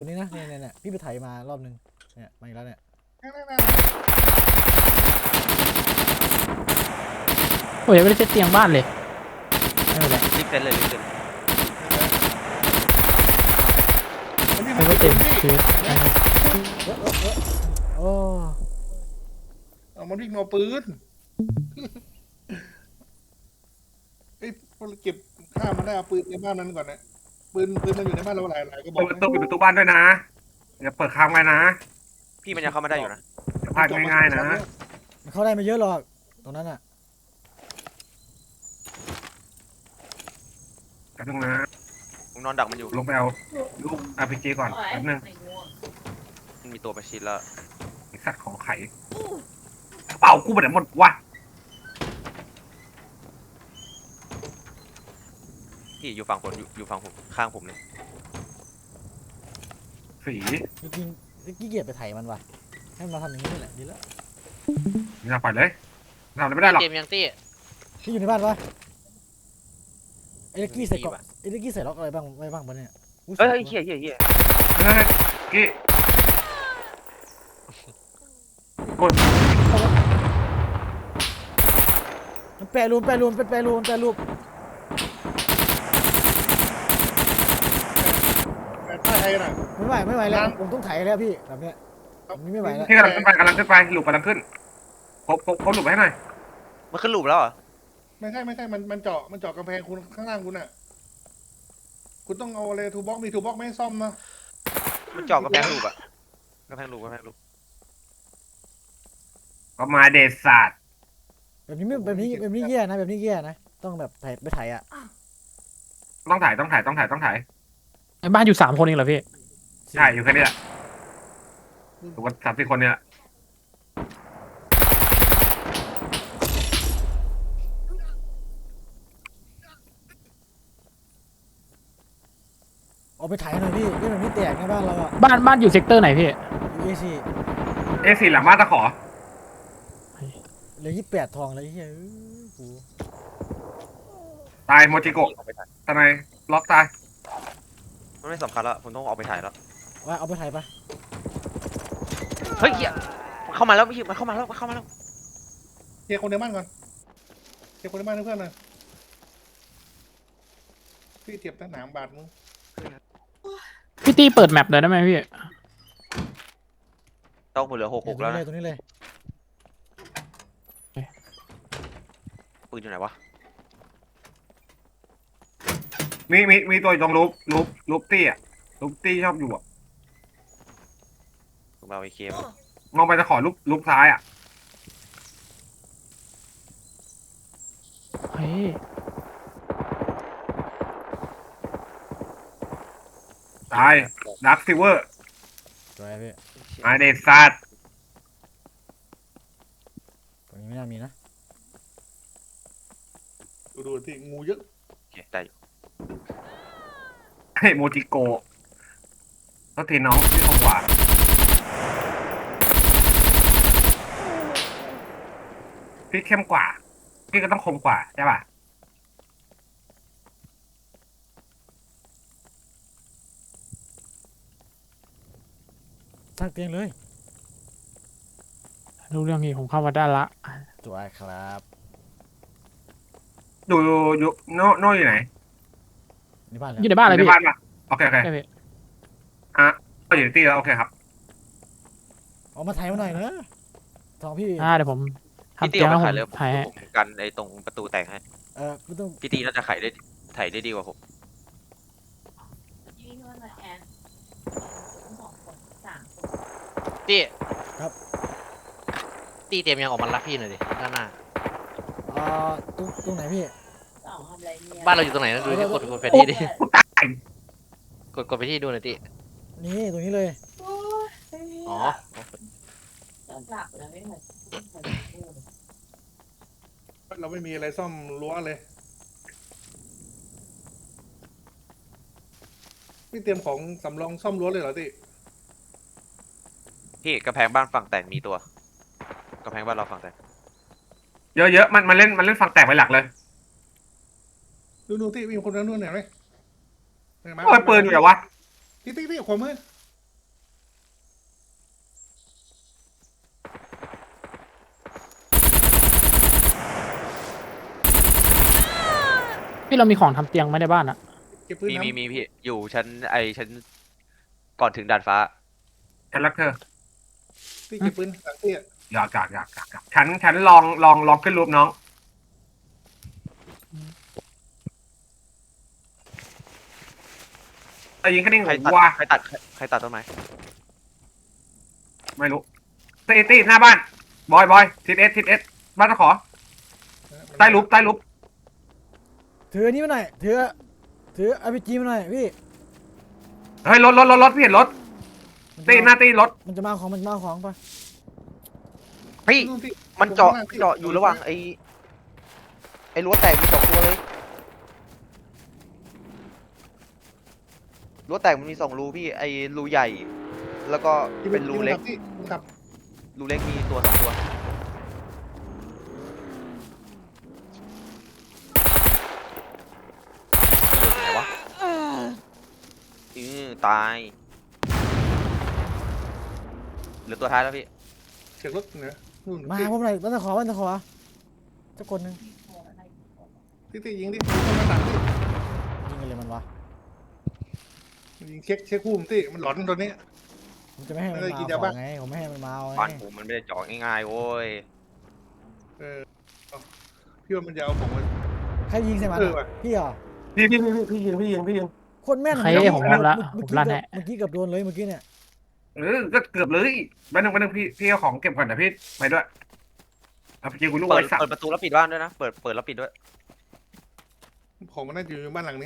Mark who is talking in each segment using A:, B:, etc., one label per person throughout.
A: ตัวนี้นะเนี่ยพี่ไปไถมารอบนึงเนี่ยมาอีกแล้วเนี่ย
B: โอ้ยยังไม่ได้เซตเตียงบ้านเลยไม่เป็นไร
C: รีบเซ็นเลยรีบเซ็น
B: ไม่ก็เต็มคือ
A: โอ้
D: เอามันวิ่งเอาปืนเอ้ยพวกเราเก็บข้ามมาได้เอาปืนในบ้านนั้นก่อนนะปืนมันอยู่ในบ้านเราหลายก็บอ
E: เปิ
D: ก
E: ดประตูปิดประตูบ้านด้วยนะอย่าเปิดค้างไว้นะ
C: พี่มันยังเข้ามาได้อยู่นะ
E: อย่าพลาดง่ายๆนะ
A: มันเข้าได้ไม่เยอะหรอกตรงนั้นอ่ะ
E: แป๊บนึงนะ
C: ผมนอนดักมันอยู่
E: ลงไปเอาลูก RPG ก่อนแป๊บนึง
C: มันมีตัวประชิดแล้ว
E: ไอ้สัตว์ของไข่เป่ากูไปไหนหมดวะ
C: พี่อยู่ฝั่งผมอยู่ฝั่งผมข้างผมเลย
E: สี
A: จริงๆขี้เกียจไปไถมันว่ะให้มันมาทำอย่างนี้แหละดีแล้ว
E: นี่เราปล่อยเลยเราไม่ได้หรอก
F: เกมยังตี้
A: พี่อยู่ในบ้านปะไอ้เล็กกี้ใส่เกาะไอ้เล็กกี้ใส่ล็อกอะไรบ้างไว้บ้างปะเนี่ยอุ๊
C: เฮ้ย
A: ใส่
C: เฮียเฮียเฮีย
E: เฮ้ยกี้กด
A: มันแปรรูปเป็นแปรรูป
D: แต่ใต้ไทยน่ะ
A: ไม่ไหวแล้วผมต้องไถแล้วพี่แบบเนี้ยแบบนี้ไม่ไหวแล้ว
E: ที่กำลังขึ้นไปหลุมกำลังขึ้นพบหลุมให้หน่อย
C: มันขึ้นหลุมแล้วเหรอ
D: ไม่ใช่มันเจาะกำแพงคุณข้างล่างคุณอ่ะคุณต้องเอาอะไรทูบ็อกมีทูบ็อกไม่ให้ซ่อมนะ
C: มันเจาะกระแพงหลุมอะกระแพงหลุม
E: ก็มาเดชศาสตร์
A: แบบนี้แย่นะแบบนี้แย่นะต้องแบบไถไปไถอ่ะ
E: ต้องถ่าย
B: ไอ้บ้านอยู่3 คนเองเหรอพี่
E: ใช่อยู่แค่นี้แหละถูกว่า3-4 คนเนี่ย
A: เอาไปไถหน่อยพี่เรื่องแบบนี้แตกในบ้านเราอ่ะ
B: บ้านอยู่เซกเตอร์ไหนพี่
A: เอซี
E: A4 หลังบ้านตะขอ
A: เหลือ28 ทองเลยเฮ้ยกู
E: ตายโมจิโกะ
C: ออกไปถ่าย
E: ทนายล็อกตาย
C: มันไม่สำคัญแล้วผมต้องออกไปถ่ายแล้ว
A: ว่าเอาไปไถปะ
C: เฮ้ยเฮียมันเข้ามาแล้วมันเข้ามาแล้ว
D: เคลียร์คนในบ้านก่อนเคลียร์คนในบ้านให้เพื่อนหน่อยพี่เจ็บตั้งหนามบาดมึง
B: พี่ตี้เปิดแมปเลยได้ไหมพี่
C: ต้องเหลือ66แล้วนะ
A: ตรงนี้เลย
C: ปืนอยู่ไหนวะ
E: มีตัวอยู่ตรงรูปตี้อ่ะรูปตี้ชอบอยู่อ่ะ
C: ผมเอาไอ้เคม
E: มองไปตะขอรูปซ้ายอ่ะ
B: เฮ้ย
E: ตายดักซิเวอร์
A: สวยพี่
E: มาเดชศาสตร์
A: ตรงนี้ไม่น่ามีนะ
D: ดูที่งูเยอะ
C: โอเคได้อยู่
E: ให้โมจิโกะต้องทีน้องที่คมกว่าพี่เข้มกว่า พี่ก็ต้องคมกว่าใช่ป่ะ
A: สร้างเตียงเลย
B: รู้เรื่องนี้ผมเข้ามาได้ละ
A: สวยครับ
E: อยู่โน่อยู่ไหน
A: ในบ้าน
B: อยู่ในบ้านอะไร
E: ใน
B: พี่
E: บ้านป่ะโอเค
B: ใช่พี่
E: ก็อยู่ในตี้แล้วโอเคครับ
A: เอามาไถมาหน่อยนะทองพี่
B: เดี๋ยวผม
C: พี่
B: ทำ
C: ตี
B: เตีย
C: อง อก
B: แล้ว
C: มา
B: ผ
C: ถ่าย
B: ม
C: เลย
B: ถ่ายให้
C: ผมกันไอ้ตรงประตูแตกให้
A: ไม่ต้อง
C: พี่ตีน่าจะถ่ายได้ดีกว่าผม
G: ยี่นวดมาแอน2 คน 3 คน
F: ตี้ตี้เตรียมยังออกมารับพี่หน่อยดิด้านหน้า
A: ตรงไหนพี่
G: 2ทำอะไรเนี่ย
F: บ้านเราอยู่ตรงไหนนะดูที่กดแผนที่ดิ
E: กูตาย
F: กดไปที่ดูหน่อยตี้
A: นี่ตรงนี้เลย
G: โอ้ย
F: อ๋อ
G: จะกลับแล้วไม่เหมือนพูด
D: เราไม่มีอะไรซ่อมรั้วเลยพี่เตรียมของสำรองซ่อมรั้วเลยเหรอติ
C: พี่กระแพงบ้านฝั่งแตกมีตัวกระแพงบ้านเราฝั่งแตก
E: เยอะมันเล่นฝั่งแตกไปหลักเลย
D: ดูที่มีคนนั้นนู่นเห็นไหม
E: โอ้ยปืนอยู่ไหนวะ
D: ที่ขวามือ
B: พี่เรามีของทำเตียงไหมในบ้านอะ
D: เก็บปืน
F: มี
D: น้ำ
F: มีพี่อยู่ชั้นก่อนถึงดาดฟ้า
E: ฉันรักเธอ
D: ที่เก็บปืนหลังที่อะ
E: อยากฉันลองขึ้นรูปน้องแต่ยิงแค่นี้
F: ใครตัด
E: ว่า
F: ใครตัดต้นไม้
E: ไม่รู้ตีหน้าบ้านบอยทิศเอสบ้านตะขอใต้ลุบ
A: ถืออันนี้มาหน่อยถือRPGมาหน่อยพี่
E: เฮ้ยรถพี่เห็นรถตีหน้าตีรถ
A: มันจะมาเอาของปะ
C: พี่
D: นู่นที่
C: มันเจาะอยู่ระหว่างไอ้รั้วแตกมี2 ตัวเลยรั้วแตกมันมี2 รูพี่ไอ้รูใหญ่ แล้วก็เป็นรูเล็ก
D: ที่ขับ
C: รูเล็กมีตัว2 ตัวไหนวะตายเหลือตัวท้ายแล้วพี่
D: เสียงรถเหนือนู่น
A: มาหาผมหน่อยบ้านตะขอสักคนหนึง
D: ที่ยิงดิเข้ามาต่างที่
A: ยิงกันเลยมันวะ
D: ยิงเช็คคู่มนที่มันหลอนตัวนี้
A: ผมจะไม่ให้มัน
D: ไม่
A: มา
D: ได้กิน
A: เอา
D: ยา
A: ข
D: บ้า
A: องไงผมไม่ให้มันมาเอา
F: บ้าน
A: ไง
F: ผมมันไม่ได้เจาะง่ายๆโว้ย
D: พี่ว่ามันจะเอาผมมา
A: ใครยิงใส่มัน
D: เออว่ะ
A: พี่เหรอ
E: พี่ยิง
A: โคตรแม่น
B: ใครผมมองละผมลั่นให้
A: เมื่อกี้เกือบโดนเลยเมื่อกี้เนี่ย
E: ก็เกือบเลยไปหนึ่งพี่เอาของเก็บก่อนนะพี่ไปด้วยเอาไปยิงกูลูก
F: เปิ
E: ไว้
F: ด
E: สัต
F: เปิด
E: ว์
F: ประตูแล้วปิดบ้านด้วยนะเปิดแล้วปิดด้วย
D: ของมันน่าจะอยู่ในบ้านหลังนี้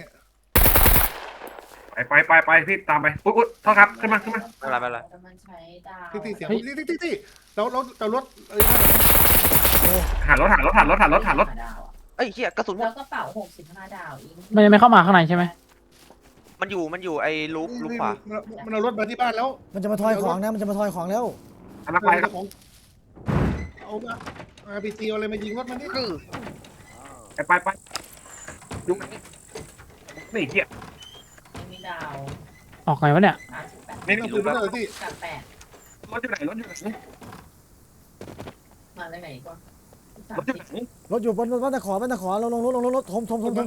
E: ไปพี่ตามไปอุ๊ยโทษครับขึ้นมา
F: ไม่เป็นไร
G: มันใช้ดาว
D: ที่เสียงที่เรารถเออ
E: หารถ
G: ดาวอะ
C: เอ้ยเฮียกระสุนหม
G: แล้
C: ด
G: วกระเป๋า65 ดาวอีก
B: มันยังไม่เข้ามาข้างในใช่ไหม
F: มันอยู่ไอ้ลูกขวา
D: มันเอารถมาที่บ้านแล้ว
A: มันจะมาทอยของนะมันจะมาทอยของแล้ว
E: อันนั้นไปครับ
D: ของเอาRPG เอาอะไรมายิงรถมันนี่
E: ไปยุกนี่เหี้ย
G: ยังมีดาว
B: ออกไงวะเนี่ย
G: 38
E: นี่
D: เอาปื
E: รู้
D: นมา
E: แล้ว
D: เลยที่
G: กับ8
E: รถอยู่ไหน
G: มาเลยไหนก่อน
E: รถอยู่ไหน
A: รถอยู่บนบ้านตะขอลงรถถม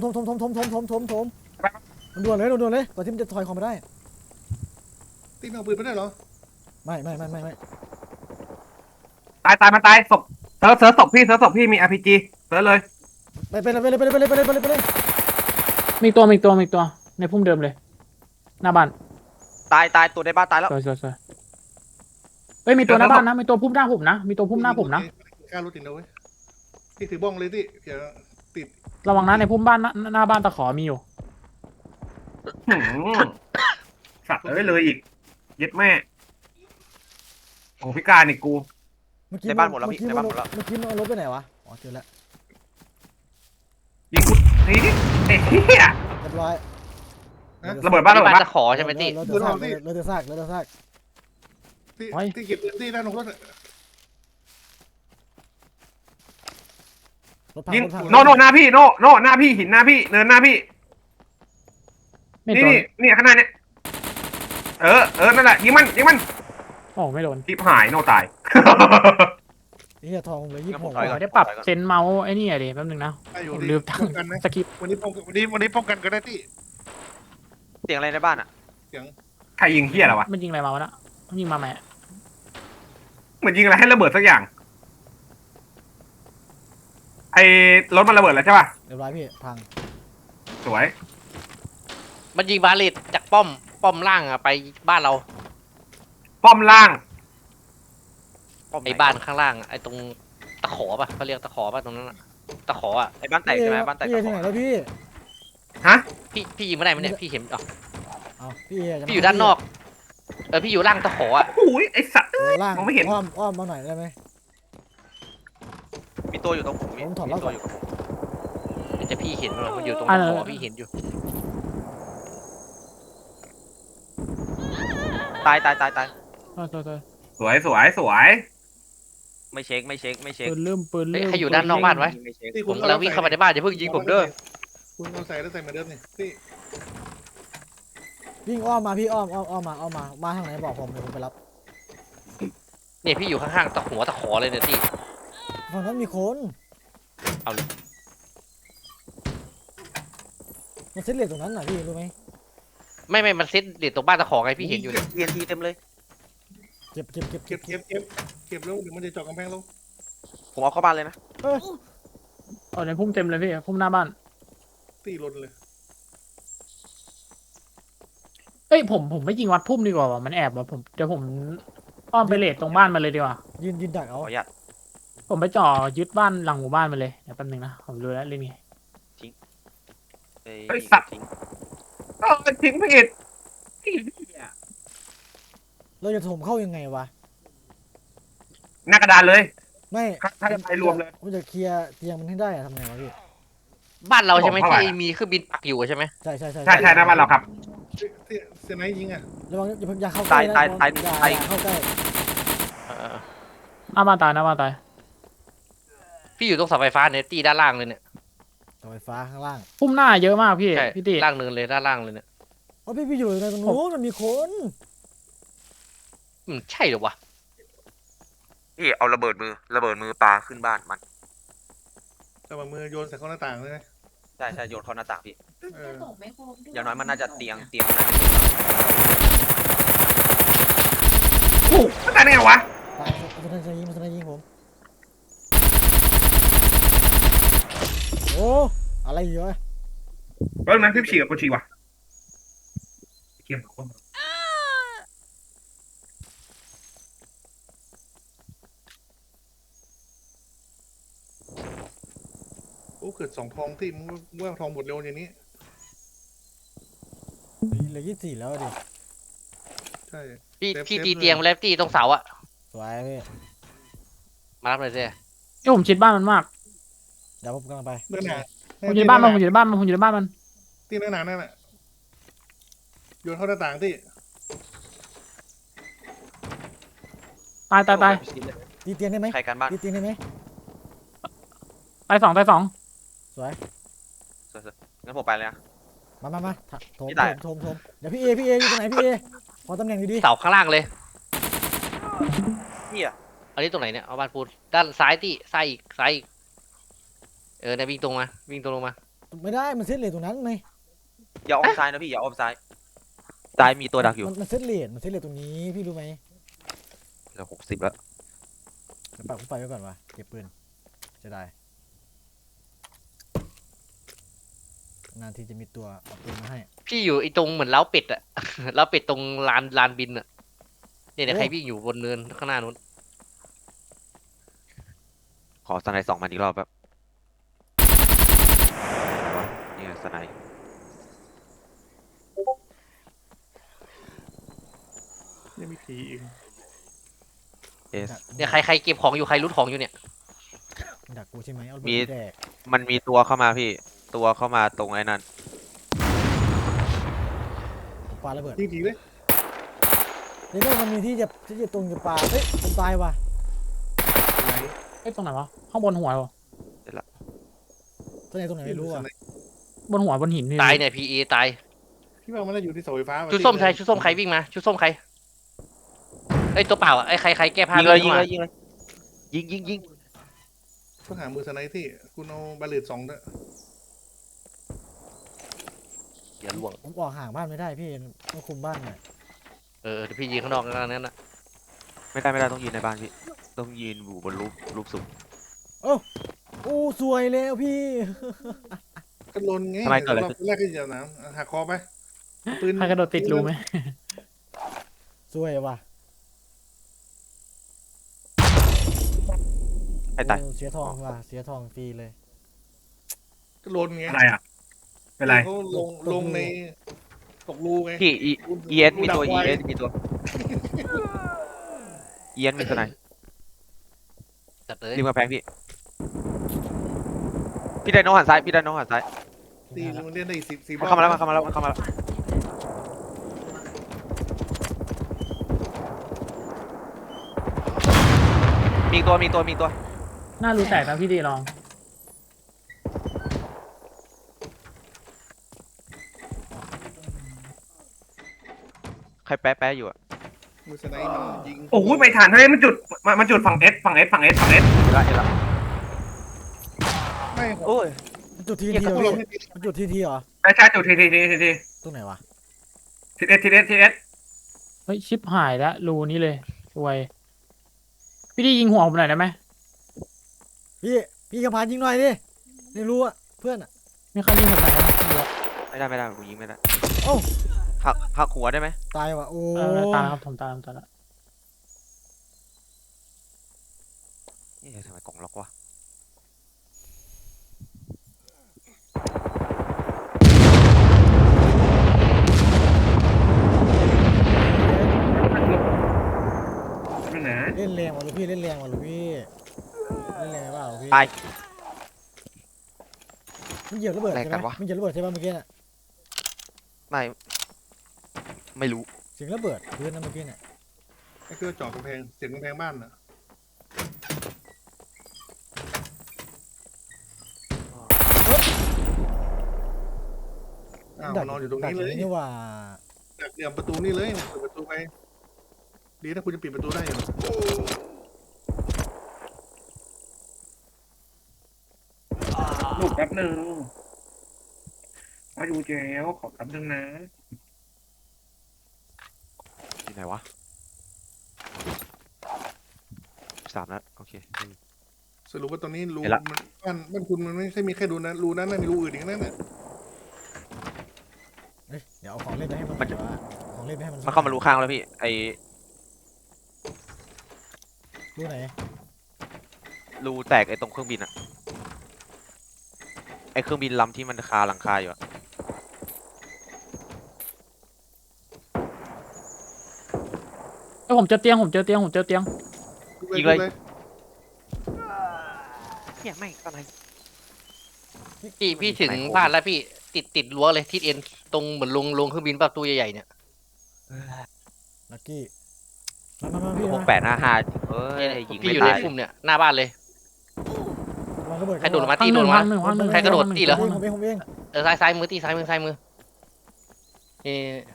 A: มันด่วนเลยก่อนที่มันจะทอยของไปได้
D: ที่เอาปืนมาได้เหรอ
A: ไม่
E: ตายมันตายศพเซิร์ฟศพพี่มี RPG เซิร์ฟเลย
A: ไปเลย
B: มีตัวในพุ่มเดิมเลย หน้าบ้าน
F: ตายตัวในบ้านตายแล้ว
B: สวยเฮ้ยมีตัวหน้าบ้านนะมีตัวพุ่มหน้าผมนะมีตัวพุ่มหน้าผมนะ
D: กล้ารถติดนะเว้ยที่ถือบ้องเลยที่เดี๋ยวติด
B: ระวังนะในพุ่มบ้านหน้าบ้านตะขอมีอยู่
E: สัตว์เลยอีกยึดแม่โอ้พิการอีกกู
A: เมื่อกี้
F: ในบ้านหมดแล้วพี่ในบ้านหมดแล้ว
A: เมื่อกี้มันเอารถไปไหนวะอ๋อเจอแล้ว
E: ยิงกูทีนี้เฮีย
A: เรียบร้อย
E: ระเบิดบ้าน
F: ที่บ้านจะขอใช่ไหมติ
A: รถเดือดซาก
D: ที่เก็บปืนที่ด้านของรถ
A: รถพัง
E: ยิง
A: รถพัง
E: โนหน้าพี่โนหน้าพี่หินหน้าพี่เนินหน้าพี่
B: ไม่
E: นี่
B: โดน
E: นี่ข้างหน้าเนี่ยนั่นแหละยิงมัน
B: โอ้ไม่โดน
E: ทิพหายโนตาย
A: เฮียทองเลย26
F: ถอยก่อน
B: ไม่ได้ปรับเซนเมาส์ไอ้นี่อะดิแป๊บนึงนะ
D: อยู่
B: ผมลืมตั้ง
D: ป้องกันนะ
B: สกิป
D: วันนี้ป้องกันก็ได้ที่
F: เสียงอะไรในบ้านอ่ะ
E: ใครยิงเฮียอะไรวะ
B: มันยิงอะไรมาวะนะมันยิงมาไหม
E: เหมือนยิงอะไรให้ระเบิดสักอย่างไอ้รถมันระเบิดแล้วใช่ป่ะ
A: เรียบร้อยพี่พัง
E: สวย
F: มันยิงบาเลตจากป้อมล่างอะไปบ้านเรา
E: ป้อมล่าง
F: ไอ้บ้านข้างล่างอะไอ้ตรงตะขอป่ะเขาเรียกตะขอป่ะตรงนั้นอะตะขออะไอ้บ้านแตกใช่ไหมบ้านแตก
A: พี่
F: ตะข
A: ที่ไหน
F: อ
A: แล้วพี่
E: ฮะ
F: พี่ยิงไม่ได้ไหมเนี่ยพี่เห็นอ๋อ
A: เอาพี่
F: พี่อยู่ด้านนอกพี่อยู่ล่างตะขออะ
E: โอ้ยไอ้สัตว์
A: ล่าง
E: มองไม่เห็น
A: อ้อมมาหน่อยได้ไหม
F: มีตัวอยู่ตรงผม
A: ผมถอด
F: มี
A: แล้วก่
F: ตั
A: อน
F: วอยู่กับผมมันจะพี่เห็นมันอยู่ตรงตะขอพี่เห็นอยู่ตาย
B: โทษ
E: สวย
F: ไม่เช็ค
B: ปืนเริ่ม
F: เฮ้ยใครอยู่ด้านนอกบ้านไว้ไม่เช็ค
D: ที่
F: ผมกำลังวิ่งเข้ามาในบ้านอย่าเพิ่งยิงผมเด้อ
D: คุณเอาใส่แล้วใส่เหมือนเดิมนี่ที่
A: วิ่งอ้อมมาพี่อ้อมมาทางไหนบอกผมเดี๋ยวผมไปรับ
F: เนี่ยพี่อยู่ข้างๆตะหัวตะขอเลยเนี่ยที่
A: ฝั่งนั้นมีคน
F: เอาเลย
A: มันเซ็ตเลทตรงนั้นน่ะพี่รู้ไหม
F: ไม่มันเซ็ตเด็ดตรงบ้านตะขอไงพี่เห็นอยู่เนี่ย
C: เรียนทีเต็มเลย
A: เก็บ
D: เก็บแล้วเดี๋ยวมันจะเจาะกำแพงลง
C: ผมเอาเข้าบ้านเลยนะ
B: เอาในพุ่มเต็มเลยพี่พุ่มหน้าบ้าน
D: ตีลนเลย
B: เอ้ยผมไม่ยิงวัดพุ่มดีกว่าว่ะมันแอบว่ะเดี๋ยวผมอ้อมไปเลทตรงบ้านมันเลยดีกว่า
A: ยืนดัก
C: ข
A: เอา
C: ออนุญาต
B: ผมไปจ่อยึดบ้านหลังหมู่บ้านมันเลยเดี๋ยวแป๊บนึงนะผมดูแล้วเล่นไง
E: ไอ้สัตว์ทิ้งผิด
A: เราจะถมเข้ายังไงวะ
E: หน้ากระดานเลย
A: ไม่
E: ถ้าจะไปรวมเลย
A: ผมจะเคลียร์เตียงมันให้ได้อะทำไงวะพี่
F: บ้านเราใช่ไหม
E: ผมเข้า
F: ที่
E: ไป
F: มีเครื่องบินปักอยู่ใช่ไหม
A: ใช่
E: ใช่หน้าบ้านเราครับ
D: เสียไหนยิงอ่ะ
A: ระวังอย่าเข้าใกล้นะอย่าเข้าใกล้
F: เออ
B: หน้าบ้านตายหน้าบ้านตาย
F: พี่อยู่ตรงเสาไฟฟ้าเนี่ยตีด้านล่างเลยเนี่ย
A: เสาไฟฟ้าข้างล่าง
B: พุ่มหน้าเยอะมากพี่
F: ใช่
B: พี่ติ
F: ล่างเนินเลยด้านล่างเลยเนี่ย
A: โอ้พี่อยู่ในตรงนู้นมันมีคน
F: ใช่เหรอวะ
C: พี่เอาระเบิดมือปาขึ้นบ้านมัน
D: แต่ว่ามือโยนใส่เข้าหน้าต่างเลยนะ
C: ใช่โยนเข้าหน้าต่างพี่
G: จะตกไม่ครบด้วย
C: อย่างน้อยมันน่าจะเตียง
E: โอ้ไม่ตายได้ไงวะ
A: ตายมันจะยิงผมโอ้อะไรอยู่วะ
E: แล้วนั้นพี่ฉีกกับกูฉีกว่ะเกี่ยมกับคน
D: โอ้เกิด2 ทองที่มึงว่าทองหมดเร็วอย่างนี้
A: เหลือ24แล้วดิ
D: ใช่
F: พี่ตีเตียงไปแล้วตีตรงเสาอะ
A: สวยพี่
F: มารับเลยสิ
B: เอ้ยผมชิดบ้านมันมาก
A: เดี๋ยวผมกำลังไป
D: เดินหนา
B: ผมอยู่ในบ้านมันผมอยู่ในบ้านมันผมอยู่ในบ้านมัน
D: ตีเดินหนานั่นแหละโยนเข้าหน้าต่างที่
B: ตาย
A: ตีเตียงได้ไหม
C: ใครกันบ้าน
A: ตีเตียงได้ไหม
B: ตายสอง
A: สวย
C: งั้นผมไปเลยนะ
A: มาโถม
C: พี่ตาย
A: โถมเดี๋ยวพี่เออยู่ตรงไหนพี่เอขอตำแหน่งดี
F: เสาข้างล่างเลย
C: พี่อะ
F: อันนี้ตรงไหนเนี่ยเอาบ้านปูนด้านซ้ายตีซ้ายอีกเนี่ยวิ่งตรงลงมา
A: ๆไม่ได้มันเซตเลทตรงนั้นไง
C: อย่าอ้อมซ้ายนะพี่อย่าอ้อมซ้ายมีตัวดักอยู่
A: มันเซตเลทตรงนี้พี่รู้ไหม
C: เหลือ60แล้ว
A: เดี๋ยวปักไฟไว้ก่อนวะเก็บปืนจะได้นานทีจะมีตัวเอาปืนมาให้
F: พี่อยู่ไอ้ตรงเหมือนเล้าเป็ดอะ เล้าเป็ดตรงลานบินอะเนี่ยใครวิ่งอยู่บนเนินข้างหน้านู้น
C: ขอสไนด์2 มันอีกรอบแบบนี่สไนด์
D: ยังมีผีอีก
C: เอส
F: เนี่ยใครเก็บของอยู่ใครรูดของอยู่เนี่ย
A: ดักกูใช่ไหมเอา
C: มี
A: ปืนแดก
C: มันมีตัวเข้ามาพี่ตัวเข้ามาตรงไอ้นั่น
A: ปาระเบิด
D: ยิงผีเลย
A: เดี๋ยวมันมีที่จะตรงจะปาเฮ้ยผมตายว่ะ
B: เอ้ยตรงไหนวะข้างบนหัวเหรอ
A: ตรงไหนไม่รู้อ่ะ
B: บนหัวบนหินนี่
F: ตายเนี่ยพีเอตาย
D: พี่ว่ามันน่าอยู่ที่เสาไฟฟ้า
F: ชุดส้มใครชุดส้มใครวิ่งมาชุดส้มใครไอ้ตัวเปล่าอะไอ้ใครแก้ผ้า
C: ยิงเลย
F: วิ่งมา
C: ยิง
D: ต้องหามือสไนด์ที่คุณเอาบาเลต2ด้วย
F: อย่าล่วง
A: ผมออกห่างบ้านไม่ได้พี่ต้องคุมบ้านหน่อย
F: เดี๋ยวพี่ยิงข้างนอกนั้นนะ
C: ไม่ได้ต้องยืนในบ้านพี่ต้องยืนอยู่บนรูปสูง
A: โอ้สวยแล้วพี่
D: ก็ลนไง
C: ทำไมเกิดอะไร
D: รอบแรกก็จะหนาวหักคอไปปืน
B: ใครกระโดดติดรูไหม
A: สวยว่ะ
C: ให้ตาย
A: โอ้เสียทองว่ะเสียทองฟรีเลย
D: ก็ลนไง
E: อะไรอ่ะเป็นไร
D: เขาลงในตกรูไง
C: พี่เอสมีตัว เอสมีสไนด์
F: จัดเลย
C: ริมกำแพงพี่ได้น้องหันซ้าย
D: ตีมันเล่นได้อีก10
C: มันเข้ามาแล้วมีตัว
B: หน้ารูแตกนะพี่ดีลอง
C: ใครแป๊ะอยู่อะ
D: มือสไนด์มันยิง
E: โอ้ยไปฐานทะเลมันจุดฝั่งเอส
C: เห็นละ
D: ไม่
C: โอ้ย
A: มันจุดที
F: เหี้ย
A: ที
F: กระ
A: เหรอ
F: สุน
A: พี่มันจุดทีทีเหรอ
E: ใช่จุดที
A: ตรงไหนวะ
E: ทีเอส
B: เฮ้ยชิปหายแล้วรูนี้เลยรวยพี่ดียิงหัวผมหน่อยได้ไหม
A: พี่กระพานยิงหน่อยดิไม่รู้อะเพื่อนอะ
B: ไม่ค่อยยิงผมหน่อยได้ไหมไม่รู้อะ
F: ไม่ได้กูยิงไม่ได้
A: โอ้า
F: หักหัวได้ไหม
A: ตายว่ะโอ้
B: ตายแล้วครับผมตายแล้ว
F: นี่ทำไมกล่องล็อกวะ
E: นั่นนะ
A: เล่นแรงว่ะลูกพี่เล่นแรงว่ะลูกพี่เล่นแรงเปล่าลูกพี่
F: ตาย
A: มันเหยียบระเบิด
F: แร
A: ใช่
F: ง
A: ไห
F: กั
A: ม
F: นวะ
A: มันเหยียบระเบิดใช่ป่ะเมื่อกี้น่ะ
F: ไม่รู้
A: เสียงระเบิดพื้นนะเมื่อกี้น่ะ
D: ไอ้เครื่องเจาะกำแพงเสียงกำแพงบ้านน่ะอ้าวมันนอนอยู่ตรงนี้เลย
A: นี่ว่า
D: ดักเหลี่ยมประตูนี่เลยเปิดประตูไปดีถ้าคุณจะปิดประตูได้อยู่
E: ลูกแป๊บนึงมาอยู่เจลขอแป๊บนึงนะ
F: ที่ไหนวะ3 นัดโอเค
D: สรุปว่าตอนนี้รู
F: เห็นละ
D: มันบ้านคุณมันไม่ใช่มีแค่รูนั้นรูนั้นน่ะมีรูอื่นอีกนั่นน่ะ
A: เฮ้ยเดี๋ยวเอาของเล่นไปให้มัน
F: มัน
A: เดี๋ยวว่าของเล่นไปให้มัน
F: มันเข้ามารูข้างแล้วพี่ไอ
A: รู้ไหน
F: รูแตกไอตรงเครื่องบินอะไอเครื่องบินลำที่มันคาหลังคาอยู่อะ
B: เอ้ยผมเจอเตียง
F: ยิงเลยเนี่ยไม่ตอนไหน
H: พี่ถึงบ้านแล้วพี่ติดรั้วเลยทิศเอ็นตรงเหมือนลงเครื่องบินประตูใหญ่ๆเนี่ย
A: ลักกี้มาพี่
F: 6855เอ้ยยิง
H: พี่
F: ไม่
H: อยู่ใน
F: ตาย
H: พุ่มเนี่ยหน้าบ้านเลย
A: วางระเบิด
H: ใครโดดลงมา
B: พัง
H: ตี
B: ห
H: โด
B: นึ่
H: ด
B: ง
H: มา
B: พังหนึ่งพังหนึ่ง
H: ใครกระโดดตีเหรอ
A: ผมเอง
H: ซ้ายมือตีซ้ายมือนี่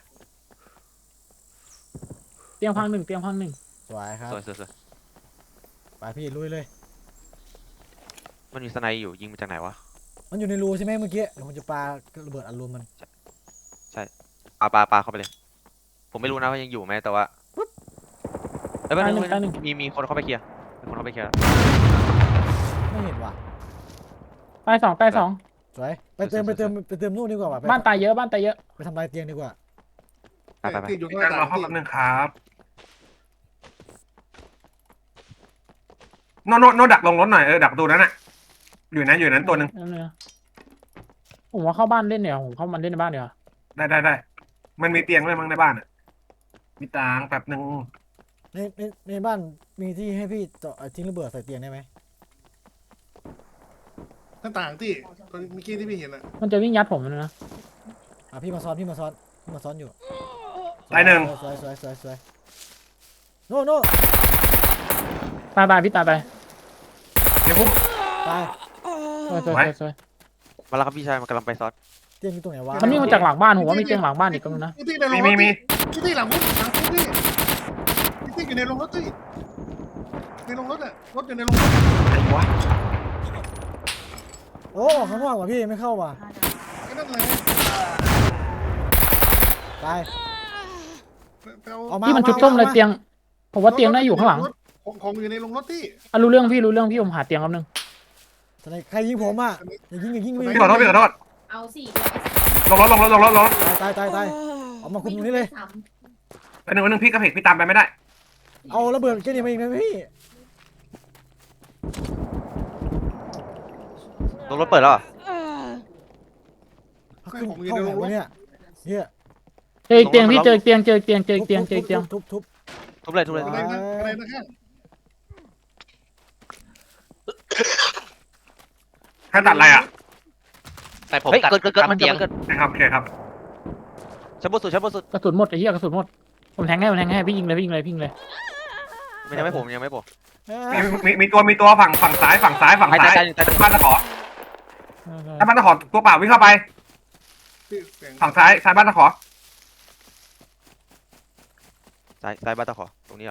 B: เตียงพังหนึ่ง
A: สวยครับ
F: สวย
A: ไปพี่ลุยเลย
F: มันมีสไนอยู่ยิงมาจากไหนวะ
A: มันอยู่ในรูใช่ไหมเมื่อกี้เดี๋ยวผมจะปาระเบิดอัดรวมมัน
F: ปาเข้าไปเลย ผมไม่รู้นะว่ายังอยู่ไหมแต่ว่าเอ้ยไม่รู้มีคนเข้าไปเคลียร์มีคนเข้าไปเคลียร์
A: ไม่เห็นว่ะ
B: ตายสอง
A: สวยไปเติมนู่นดีกว่าว่ะ
B: บ้านตายเยอะ
A: ไปทำลายเตียงดีกว่า
F: ไป
D: ที่อยู่
E: พี่
D: ข้างห
E: การ
D: น้าร
E: อห้อง
D: ที่
E: แป๊บนึงครับโนดักลงรถหน่อยดักประตูนั้นน่ะอยู่นั้นตัวหนึ่ง
B: ผมว่าเข้าบ้านเล่นเดี๋ยวผมเข้ามันเล่นในบ้านเดี๋ยว
E: ได้มันมีเตียงด้วยมั้งในบ้านอ่ะมีตางแป๊บนึง
A: ในบ้านมีที่ให้พี่เจาะทิ้งระเบิดใส่เตียงได้ไหม
D: หน้าต่างที่ตอนเมื่อกี้ที่พี่เห็นอ่ะ
B: มันจะวิ่งยัดผมนะ
A: พี่มาซ้อนอยู่
E: ตายหนึ่ง
A: สวยโน่
B: ตายพี่ตายไป
E: เดี๋ยวพุ่ม
A: ตาย
B: สวย
F: มาแล้วครับพี่ชายมันกำลังไปซอส
A: เตียงอยู่ตรงไหนวะ
B: มันวิ่งมาจากหลังบ้านผมว่ามีเตียงหลังบ้านอีกก็นะ
D: ที่ในโรงรถ
E: มี
D: ที่หลังรถที่อยู่ในโรงรถที่ในโรงรถอ่ะรถอยู่ในโรงรถ
E: ไหนวะ
A: โอ้ข้างนอกว่ะพี่ไม่เข้าว่ะ
D: ก็นั่นแหละ
A: ตาย เอามา
B: พี่มันชุบส้มเลยเตียง ผมว่าเตียงน่าอยู่ข้างหลัง
D: ของอยู่ในโรงรถที่
B: รู้เรื่องพี่ผมหาเตียงแป๊บนึง
A: ใครยิงผมอ่ะอย่ายิง
E: พี่ขอโทษ
G: เอาสิ
E: ลงรถ
A: ตายเอามาคุมตรงนี้เลย
E: ไปหนึ่งพี่กระเพกพี่ตามไปไม่ได้
A: เอาระเบิดแค่นี้มาอีกนะพี่
F: รถเปิดแล้วเหรอ
A: ขึ้นเข้าไหนวะเนี่ย
B: เจอเตียงพี่เจอเตียง
A: ทุบ
F: ทุบเลย
D: อะไรนะข้าง
E: แค่ตัดอะไรอ่ะ
H: แต่ผม
F: เฮ้ย
H: ตัด
F: เกิด
H: ตัดเตียง
E: นะครับโอเคครับ
F: ชั้นบนสุด
B: กระสุนหมดไอ้เหี้ยกระสุนหมดผมแทงให้พี่ยิงเลย
F: มันยังไม่ผม
E: มีตัวฝั่งซ้ายบ้านตะขอถ้าบ้านตะขอตัวเปล่าวิ่งเข้าไป
D: ที่เสียง
E: ฝั่งซ้ายบ้านตะขอ
F: ซ้ายบ้านตะขอตรงนี้